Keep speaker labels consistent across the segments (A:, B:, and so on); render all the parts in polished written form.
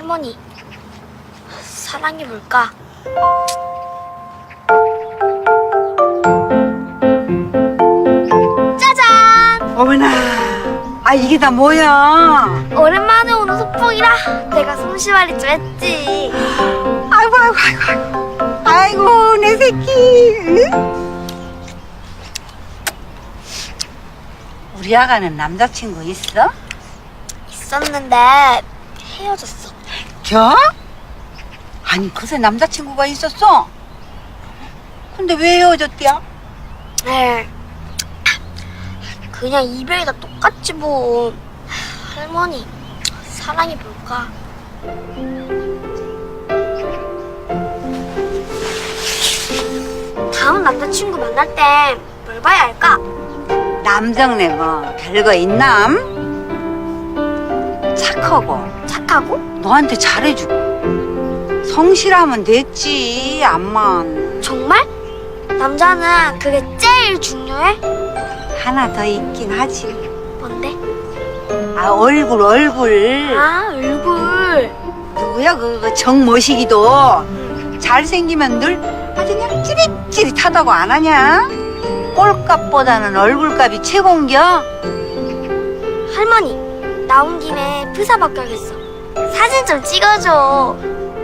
A: 할머니, 사랑이 뭘까? 짜잔!
B: 어머나, 아 이게 다 뭐야?
A: 오랜만에 오는 소풍이라 내가 솜씨발이 좀 했지.
B: 아이고 아이고 아이고 아이고 내 새끼. 응? 우리 아가는 남자친구 있어?
A: 있었는데 헤어졌어.
B: 저? 아니 그새 남자친구가 있었어? 근데 왜 헤어졌대요?
A: 에 그냥 이별이 다 똑같지 뭐. 할머니, 사랑이 뭘까? 다음 남자친구 만날 땐 뭘 봐야 할까?
B: 남정네 뭐 별거 있남? 착하고
A: 착하고?
B: 너한테 잘해주고 성실하면 됐지. 암만
A: 정말? 남자는 그게 제일 중요해?
B: 하나 더 있긴 하지.
A: 뭔데?
B: 아 얼굴
A: 아, 얼굴.
B: 누구야 그 정모시기도 잘생기면 늘 아주 그냥 찌릿찌릿하다고 안 하냐? 꼴값보다는 얼굴값이 최고인겨.
A: 할머니, 나온 김에 프사 바뀌어야겠어. 사진 좀 찍어줘.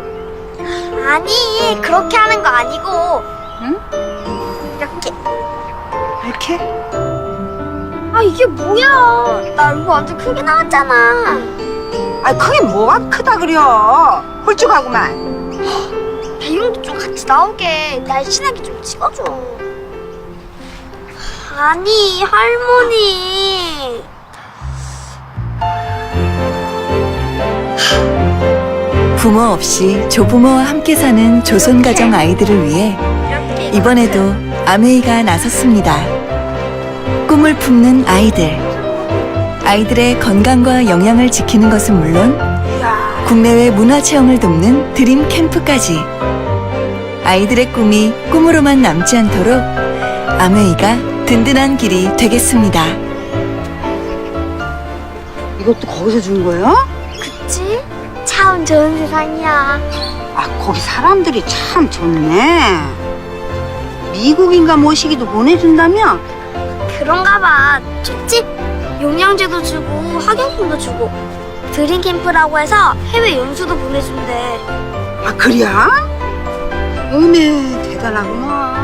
A: 아니, 그렇게 하는 거 아니고
B: 응?
A: 이렇게.
B: 이렇게?
A: 아, 이게 뭐야? 나 얼굴 완전 크게 나왔잖아.
B: 아 그게 뭐가 크다 그려. 홀쭉하구만.
A: 배경도 좀 같이 나오게 날씬하게 좀 찍어줘. 아니, 할머니.
C: 부모 없이 조부모와 함께 사는 조손가정 아이들을 위해
A: 이렇게.
C: 이번에도 아메이가 나섰습니다. 꿈을 품는 아이들. 아이들의 건강과 영양을 지키는 것은 물론 국내외 문화체험을 돕는 드림 캠프까지. 아이들의 꿈이 꿈으로만 남지 않도록 아메이가 든든한 길이 되겠습니다.
B: 이것도 거기서 준 거야?
A: 그치? 참 좋은 세상이야.
B: 아 거기 사람들이 참 좋네. 미국인가 모시기도 보내준다며?
A: 그런가 봐. 좋지? 영양제도 주고 학용품도 주고 드림 캠프라고 해서 해외 연수도 보내준대.
B: 아 그래야? 어메 대단하구만.